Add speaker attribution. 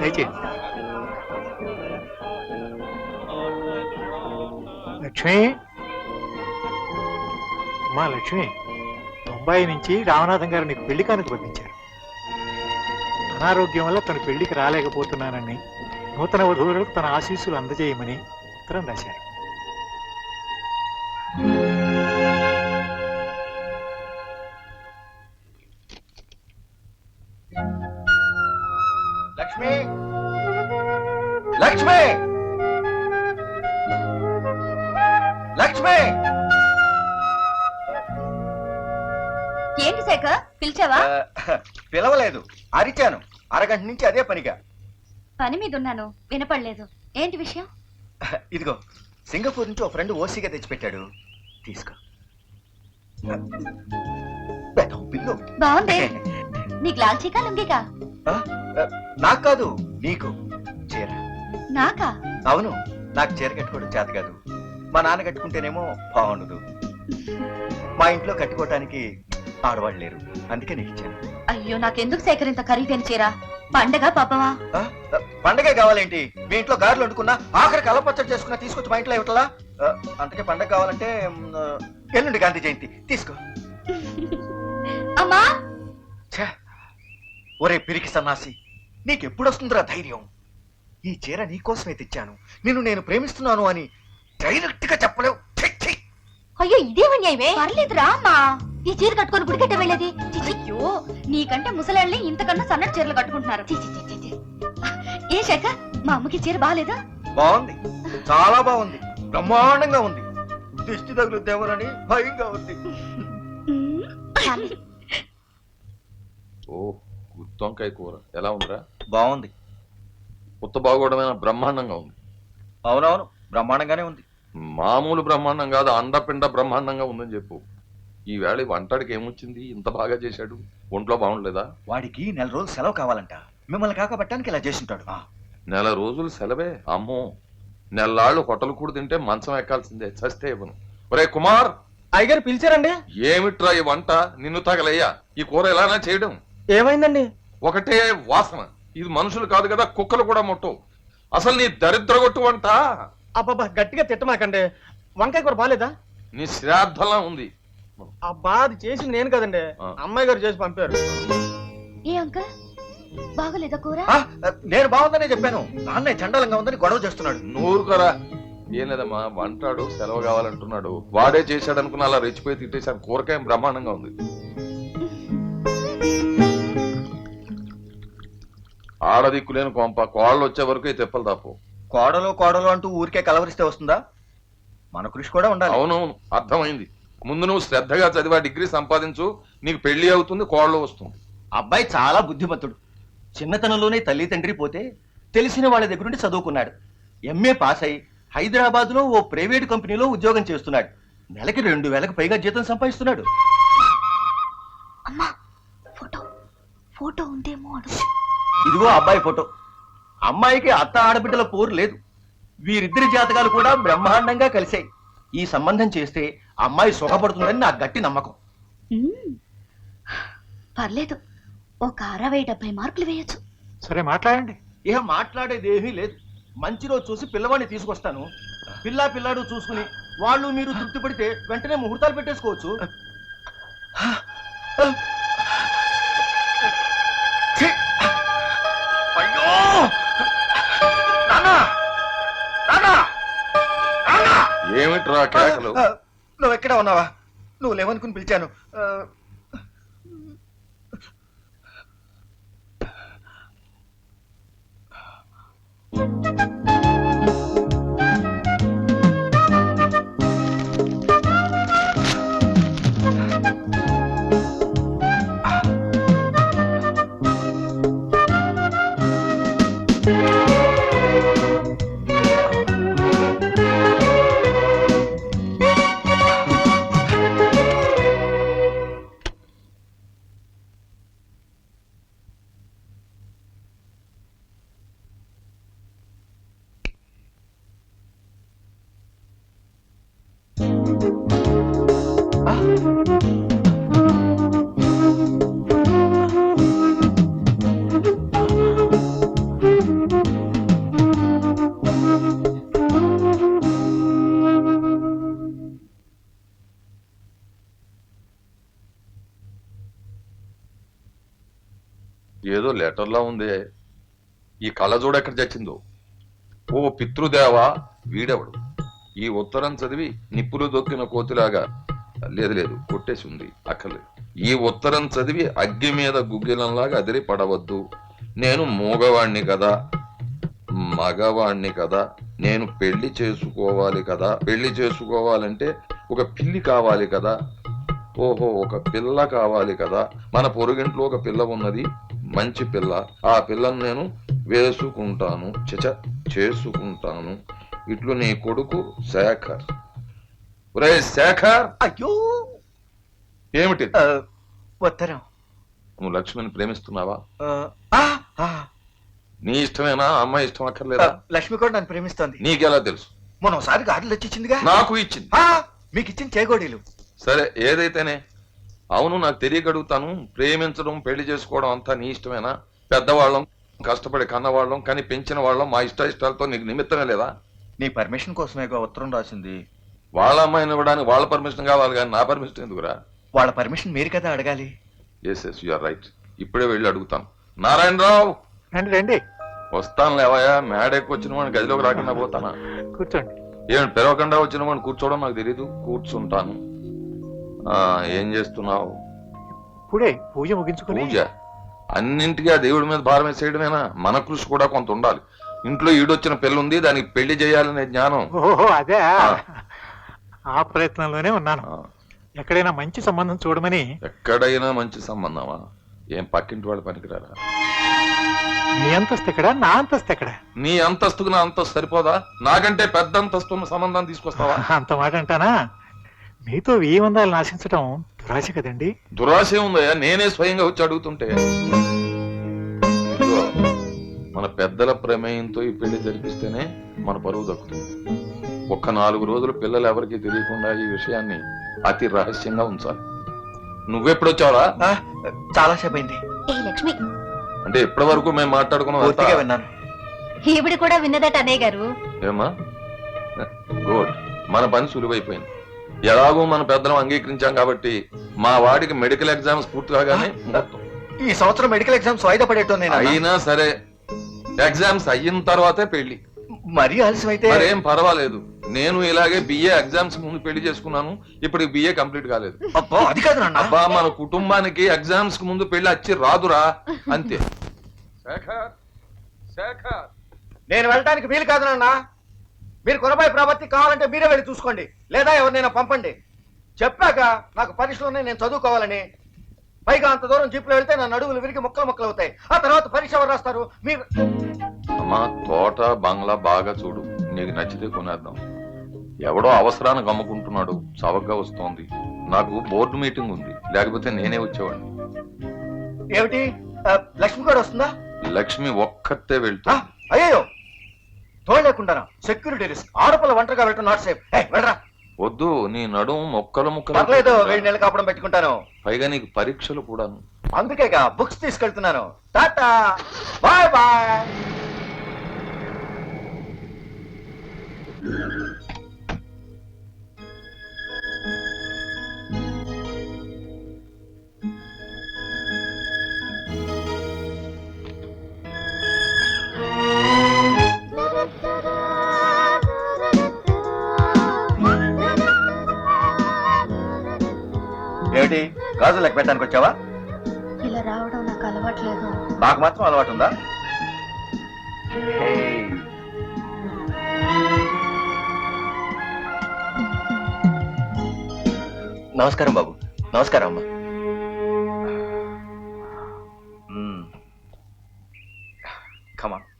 Speaker 1: దయచేయండి. లక్ష్మి, అమ్మా లక్ష్మి, బొంబాయి నుంచి రామనాథం గారు నీకు పెళ్లి కానుక పంపించారు. అనారోగ్యం వల్ల తన పెళ్లికి రాలేకపోతున్నానని, నూతన వధువులకు తన ఆశీస్సులు అందజేయమని ఉత్తరం రాశారు.
Speaker 2: లక్ష్మి, లక్ష్మి, లక్ష్మి.
Speaker 3: ఏంటి శేఖర్, పిలిచావా?
Speaker 2: పిలవలేదు, అరిచాను. అరగంట నుంచి అదే పనిగా.
Speaker 3: పని మీద ఉన్నాను, వినపడలేదు. ఏంటి విషయం?
Speaker 2: ఇదిగో, సింగపూర్ నుంచి ఓ ఫ్రెండ్ ఓసీగా తెచ్చిపెట్టాడు, తీసుకో. పిల్లు
Speaker 3: బాగుంది. నీకు లాల్చీకా లుంగికా?
Speaker 2: నాకు కాదు, నీకు చీర.
Speaker 3: నాకా?
Speaker 2: అవును, నాకు చీర కట్టుకోవడం చేత కాదు. మా నాన్న కట్టుకుంటేనేమో బాగుండదు. మా ఇంట్లో కట్టుకోవటానికి ఆడవాళ్ళు లేరు, అందుకే నీకు ఇచ్చాను.
Speaker 3: అయ్యో, నాకెందుకు శేఖర్ ఇంత ఖరీదైన చీర? పండగ పాపమా?
Speaker 2: పండగే కావాలేంటి? మీ ఇంట్లో గారెలు వండుకున్నా, ఆఖరికి అల్లపచ్చడి చేసుకున్నా తీసుకొచ్చి మా ఇంట్లో ఇవ్వట్లా? అందుకే పండగ కావాలంటే ఎల్లుండి గాంధీ జయంతి, తీసుకో.
Speaker 3: అమ్మా,
Speaker 2: ఒరే పిరికి సన్నాసి, నీకెప్పుడు వస్తుందిరా ధైర్యం? ఈ చీర నీకోసమే తెచ్చాను, నిన్ను నేను ప్రేమిస్తున్నాను అని డైరెక్ట్ గా చెప్పలేవు.
Speaker 3: అయ్యో, ఇదేమన్యాయమే. పర్లేదురా అమ్మా, ఈ చీర కట్టుకొని గుడికట్ట వెళ్ళేది. అయ్యో, నీకంటే ముసలాళ్ళే ఇంతకన్నా సన్నటి చీరలు కట్టుకుంటున్నారు. ఏ శేఖర్, మా అమ్మకి చీర బాగాలేదా?
Speaker 2: బాగుంది, చాలా బాగుంది, బ్రహ్మాండంగా ఉంది. దిష్టి తగులుద్దేమోనని భయంగా ఉంది.
Speaker 4: ఓ, గుత్తొంకాయ కూర ఎలా ఉందిరా?
Speaker 2: బాగుంది.
Speaker 4: ఉత్త బాగోడమైన బ్రహ్మాండంగా ఉంది.
Speaker 2: అవునవును, బ్రహ్మాండంగానే ఉంది.
Speaker 4: మామూలు బ్రహ్మాండం కాదు, అండపిండ బ్రహ్మాండంగా ఉందని చెప్పు. ఈ వేళ వంటడికి ఏమొచ్చింది? ఇంత బాగా చేశాడు, ఒంట్లో బాగుండలేదా?
Speaker 2: వాడికి 4 రోజులు సెలవు కావాలంట, మిమ్మల్ని కాకపట్టడానికి ఇలా చేసింటాడు.
Speaker 4: 4 రోజులు సెలవే? అమ్మో, నెల్లాళ్ళు హోటల్ కూడా తింటే మంచం ఎక్కాల్సిందే, చస్తే ఇవ్వను. ఒరే కుమార్,
Speaker 5: అయ్యగారు పిలిచారండి.
Speaker 4: ఏమిట్రా ఈ వంట? నిన్ను తగలయ్యా, ఈ కూర ఎలానా చేయడం?
Speaker 5: ఏమైందండి?
Speaker 4: ఒకటే వాసన. ఇది మనుషులు కాదు కదా, కుక్కలు కూడా ముట్టవు. అసలు నీ దరిద్రగొట్టు వంట.
Speaker 5: అబ్బాబా, గట్టిగా తిట్టమాకండి. వంకాయ కూర బాలేదా?
Speaker 4: నీ శ్రాద్ధలా ఉంది.
Speaker 5: అబ్బా, అది చేసింది నేను కదండి, అమ్మాయి గారు చేసి పంపారు.
Speaker 3: ఏ అంకల్, బాగలేదా కూర?
Speaker 2: నేను బాగుందనే చెప్పాను, నాన్న చండాలంగా ఉందని గొడవ చేస్తున్నాడు.
Speaker 4: నూరుకరా. ఏం లేదమ్మా, వంటాడు సెలవు కావాలంటున్నాడు, వాడే చేశాడు అనుకున్న అలా రెచ్చిపోయి తిట్టేశాను. కూరకాయ బ్రహ్మాండంగా ఉంది. ఆడదిక్కులేని కొంప, కోళ్ళు వచ్చే వరకు తెప్పలు తప్పు.
Speaker 2: కోడలు కోడలు అంటూ ఊరికే కలవరిస్తే వస్తుందా? మన కృషి కూడా ఉండాలి.
Speaker 4: అవునవును, అర్థమైంది. ముందు నువ్వు శ్రద్ధగా చదివా డిగ్రీ సంపాదించు, నీకు పెళ్లి అవుతుంది, కోళ్ళు వస్తుంది.
Speaker 6: అబ్బాయి చాలా బుద్ధిమంతుడు. చిన్నతనంలోనే తల్లి తండ్రి పోతే తెలిసిన వాళ్ళ దగ్గర నుండి చదువుకున్నాడు. ఎంఏ పాస్ అయి హైదరాబాద్ లో ఓ ప్రైవేట్ కంపెనీలో ఉద్యోగం చేస్తున్నాడు. నెలకి 2000కు పైగా జీతం సంపాదిస్తున్నాడు.
Speaker 3: అమ్మా, ఫోటో ఫోటో ఉందేమో అడుగు.
Speaker 6: ఇదిగో అబ్బాయి ఫోటో. అమ్మాయికి అత్త ఆడబిడ్డల పోరు లేదు. వీరిద్దరి జాతకాలు కూడా బ్రహ్మాండంగా కలిశాయి. ఈ సంబంధం చేస్తే అమ్మాయి సుఖపడుతుందని నాకు గట్టి నమ్మకం.
Speaker 3: పర్లేదు, ఒక 60-70 మార్కులు వేయచ్చు.
Speaker 1: సరే, మాట్లాడండి.
Speaker 6: ఇక మాట్లాడేది ఏమీ లేదు. మంచి రోజు చూసి పిల్లవాడిని తీసుకొస్తాను. పిల్లాడు చూసుకుని వాళ్ళు మీరు తృప్తి పడితే వెంటనే ముహూర్తాలు పెట్టేసుకోవచ్చు.
Speaker 4: ఏమిట్రా కేకలు?
Speaker 2: నువ్వు ఎక్కడ ఉన్నావా? నువ్వు లేవనుకుని పిలిచాను.
Speaker 4: ఏదో లెటర్లా ఉందే. ఈ కళ్ళజోడ ఎక్కడ చచ్చిందో. ఓ పితృదేవా, వీడెవడు? ఈ ఉత్తరం చదివి నిప్పులు దొక్కిన కోతిలాగా, లేదు కొట్టేసి ఉంది, అక్కర్లేదు. ఈ ఉత్తరం చదివి అగ్గి మీద గుగ్గిలంలాగా అదిరి పడవద్దు. నేను మూగవాణ్ణి కదా, మగవాణ్ణి కదా, నేను పెళ్లి చేసుకోవాలి కదా. పెళ్లి చేసుకోవాలంటే ఒక పిల్లి కావాలి కదా. ఓహో, ఒక పిల్ల కావాలి కదా. మన పొరుగింట్లో ఒక పిల్ల ఉన్నది, మంచి పిల్ల. ఆ పిల్లను నేను వేసుకుంటాను, చేసుకుంటాను. ఇట్లు నీ కొడుకు శేఖర్. ఒరే శేఖర్,
Speaker 2: అయ్యో
Speaker 4: ఏమిటి?
Speaker 2: ఉత్తరం.
Speaker 4: నువ్వు లక్ష్మిని ప్రేమిస్తున్నావా?
Speaker 2: ఆ, ఆ,
Speaker 4: నీ ఇష్టమేనా? అమ్మాయి ఇష్టం అక్కర్లేదా?
Speaker 2: లక్ష్మి కూడా నన్ను ప్రేమిస్తోంది.
Speaker 4: నీకెలా తెలుసు?
Speaker 2: మొన్న ఒకసారి గాడులు వచ్చిందిగా.
Speaker 4: నాకు ఇచ్చింది.
Speaker 2: మీకు ఇచ్చిన చేగోడీలు.
Speaker 4: సరే, ఏదైతేనే. అవును, నాకు తెలియగడుగుతాను. ప్రేమించడం, పెళ్లి చేసుకోవడం అంతా నీ ఇష్టమేనా? పెద్దవాళ్ళం, కష్టపడి కన్నవాళ్ళం, కానీ పెంచిన వాళ్ళం, మా ఇష్టాలతో నీకు నిమిత్తమే లేదా?
Speaker 2: నీ పర్మిషన్ కోసమే ఉత్తరం రాసింది.
Speaker 4: వాళ్ళ అమ్మాయిని ఇవ్వడానికి వాళ్ళ పర్మిషన్ కావాలి కానీ నా పర్మిషన్ ఎందుకురా?
Speaker 2: వాళ్ళ పర్మిషన్ మీరు కదా అడగాలి.
Speaker 4: Yes you are right. ఇప్పుడే వెళ్ళి అడుగుతాను. నారాయణరావు,
Speaker 1: రండి రండి,
Speaker 4: వస్తాను లేవయా. మేడకి వచ్చిన వాడిని గదిలోకి రాకుండా పోతానా?
Speaker 1: కూర్చోండి.
Speaker 4: ఏమి పిలవకుండా వచ్చిన వాడిని కూర్చోవడం నాకు తెలీదు. కూర్చుంటాను. ఏం చేస్తున్నావు?
Speaker 1: ఇప్పుడే పూజ ముగించుకుని.
Speaker 4: పూజ? అన్నింటికీ ఆ దేవుడి మీద భారం వేసేయడమేనా? మన కృషి కూడా కొంత ఉండాలి. ఇంట్లో ఈడొచ్చిన పిల్ల ఉంది, దానికి పెళ్లి చేయాలనే జ్ఞానం.
Speaker 1: ఓహో, అదే. ఆ ప్రయత్నంలోనే ఉన్నాను. ఎక్కడైనా మంచి సంబంధం చూడమని.
Speaker 4: ఎక్కడైనా మంచి సంబంధమా? ఏం పక్కింటి వాళ్ళు పనికిరారా?
Speaker 1: నీ అంతస్తు ఎక్కడా, నా అంతస్తు ఎక్కడా?
Speaker 4: నీ అంతస్తుకు నా అంతస్తు సరిపోదా? నాకంటే పెద్ద అంతస్తు సంబంధం తీసుకొస్తావా?
Speaker 1: అంత మాట అంటానా? మీతో ఈ వందాలను ఆశించడం దురాశ కదండి.
Speaker 4: దురాశ ఉందయ్యా, నేనే స్వయంగా వచ్చి అడుగుతుంటే. ఇదిగో, మన పెద్దల ప్రమేయంతో ఈ పెళ్లి జరిపిస్తేనే మన పరువు దక్కుతుంది. ఒక్క 4 రోజులు పిల్లలు ఎవరికి తెలియకుండా ఈ విషయాన్ని అతి రహస్యంగా ఉంచాలి. నువ్వెప్పుడొచ్చావరా?
Speaker 2: చాలా సేపు అయింది.
Speaker 3: ఏ లక్ష్మి,
Speaker 4: అంటే ఇప్పటి వరకు మేము మాట్లాడుకున్నాం.
Speaker 2: పూర్తిగా విన్నాను.
Speaker 3: ఈవిడ కూడా విన్నదట అన్నయ్య గారు.
Speaker 4: ఏమా? గుడ్. మన పని సులువైపోయింది. ఎలాగో మన పెద్దలం అంగీకరించాం కాబట్టి మా వాడికి మెడికల్ ఎగ్జామ్స్ పూర్తి కాగానే
Speaker 2: ఈ సంవత్సరం మెడికల్ ఎగ్జామ్స్ వాయిదా పడేటోంది.
Speaker 4: అయినా సరే, ఎగ్జామ్స్ అయిన తర్వాతే పెళ్లి.
Speaker 2: మరీ ఆలస్యం అయితే
Speaker 4: మరేం పర్వాలేదు. నేను ఇలాగే బిఏ ఎగ్జామ్స్ ముందు పెళ్లి చేసుకున్నాను. ఇప్పుడు బిఏ కంప్లీట్ కాలేదు.
Speaker 2: అబ్బా, అది కాదు నాన్న.
Speaker 4: అబ్బా, మన కుటుంబానికి ఎగ్జామ్స్ కు ముందు పెళ్లి వచ్చి రాదురా, అంతే.
Speaker 5: నేను వెళ్ళడానికి వీలు కాదు నాన్న. మీరు కొనబాయి ప్రాపర్టీ కావాలంటే మీరే వెళ్ళి చూసుకోండి, లేదా ఎవరినైనా పంపండి. చెప్పాక నాకు పరీక్షలు ఉన్నాయి, నేను చదువుకోవాలని. పైగా అంత దూరం జీపులో వెళ్తే నా నడువులు విరిగి ముక్కలు అవుతాయి. ఆ తర్వాత పరీక్ష ఎవరు రాస్తారు? మీరు.
Speaker 4: అమ్మా, తోట బంగ్లా బాగా చూడు, నీకు నచ్చితే కొనేద్దాం. ఎవడో అవసరానికి అమ్ముకుంటున్నాడు, చవకగా వస్తోంది. నాకు బోర్డు మీటింగ్ ఉంది, లేకపోతే నేనే వచ్చేవాడిని.
Speaker 5: ఏమిటి, లక్ష్మి కూడా వస్తుందా?
Speaker 4: లక్ష్మి ఒక్కతే వెళ్తా.
Speaker 5: అయ్యో, తోడలేకుండా సెక్యూరిటీ రిస్క్. ఆడపిల్ల ఒంటరిగా వెళ్ళటం నాట్ సేఫ్. వెళ్ళరా.
Speaker 4: వద్దు, నీ నడుము మొక్కలు
Speaker 5: పర్లేదు,
Speaker 4: ముక్కలు.
Speaker 5: 2 నెలలు కాపడం పెట్టుకుంటాను.
Speaker 4: పైగా నీకు పరీక్షలు కూడాను.
Speaker 5: అందుకేగా బుక్స్ తీసుకెళ్తున్నాను. Tata, bye bye.
Speaker 2: ఏమిటి, గాజులు లెక్క పెట్టడానికి వచ్చావా?
Speaker 3: ఇలా రావడం నాకు అలవాట్లేదు.
Speaker 2: నాకు మాత్రం అలవాటు ఉందా? నమస్కారం బాబు. నమస్కారం అమ్మా. కమాన్.